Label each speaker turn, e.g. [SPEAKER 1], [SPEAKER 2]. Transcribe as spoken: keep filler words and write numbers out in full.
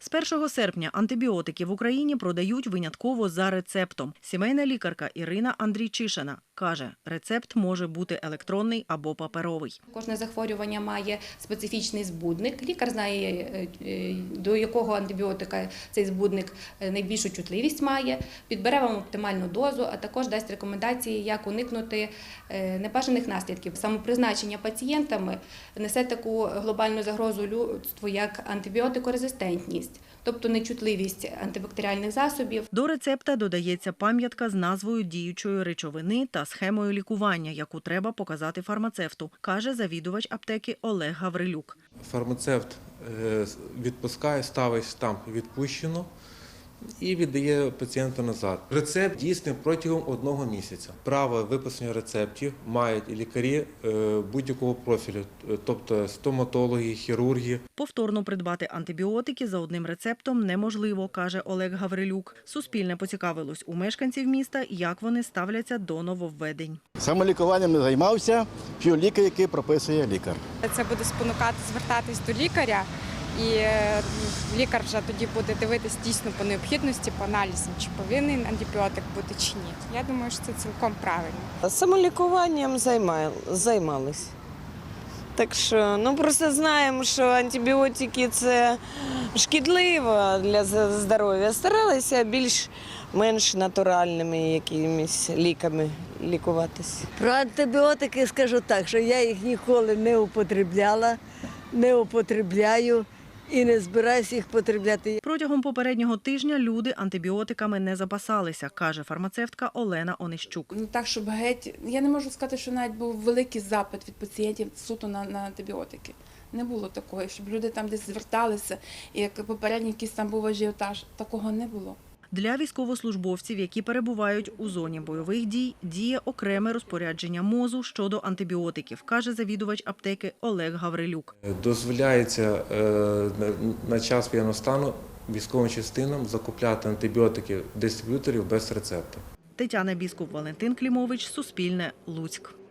[SPEAKER 1] З першого серпня антибіотики в Україні продають винятково за рецептом. Сімейна лікарка Ірина Андрійчишина каже, рецепт може бути електронний або паперовий.
[SPEAKER 2] Кожне захворювання має специфічний збудник. Лікар знає, до якого антибіотика цей збудник найбільшу чутливість має, підбере вам оптимальну дозу, а також дасть рекомендації, як уникнути небажаних наслідків. Самопризначення пацієнтами несе таку глобальну загрозу людству, як антибіотикорезистентність, тобто нечутливість антибактеріальних засобів.
[SPEAKER 1] До рецепта додається пам'ятка з назвою діючої речовини та схемою лікування, яку треба показати фармацевту, каже завідувач аптеки Олег Гаврилюк.
[SPEAKER 3] Фармацевт відпускає, ставить штамп «відпущено» і віддає пацієнту назад. Рецепт дійсний протягом одного місяця. Право виписання рецептів мають і лікарі будь-якого профілю, тобто стоматологи, хірурги.
[SPEAKER 1] Повторно придбати антибіотики за одним рецептом неможливо, каже Олег Гаврилюк. Суспільне поцікавилось у мешканців міста, як вони ставляться до нововведень.
[SPEAKER 4] Самолікуванням не займався, п'ю ліки, які прописує лікар.
[SPEAKER 5] Це буде спонукати звертатись до лікаря, і лікар вже тоді буде дивитись дійсно по необхідності, по аналізам, чи повинен антибіотик бути чи ні. Я думаю, що це цілком правильно.
[SPEAKER 6] Самолікуванням займалися. Так що, ну просто знаємо, що антибіотики – це шкідливо для здоров'я. Старалися більш-менш натуральними якимись ліками лікуватися.
[SPEAKER 7] Про антибіотики скажу так, що я їх ніколи не употребляла, не употребляю і не збираюся їх потребляти.
[SPEAKER 1] Протягом попереднього тижня люди антибіотиками не запасалися, каже фармацевтка Олена Онищук.
[SPEAKER 8] Ну так, щоб геть, я не можу сказати, що навіть був великий запит від пацієнтів суто на, на антибіотики. Не було такого, щоб люди там десь зверталися, і як попередній якийсь там був ажіотаж, такого не було.
[SPEAKER 1] Для військовослужбовців, які перебувають у зоні бойових дій, діє окреме розпорядження МОЗу щодо антибіотиків, каже завідувач аптеки Олег Гаврилюк.
[SPEAKER 3] Дозволяється на час воєнного стану військовим частинам закупляти антибіотики дистриб'юторів без рецепту.
[SPEAKER 1] Тетяна Біскуп, Валентин Клімович, Суспільне, Луцьк.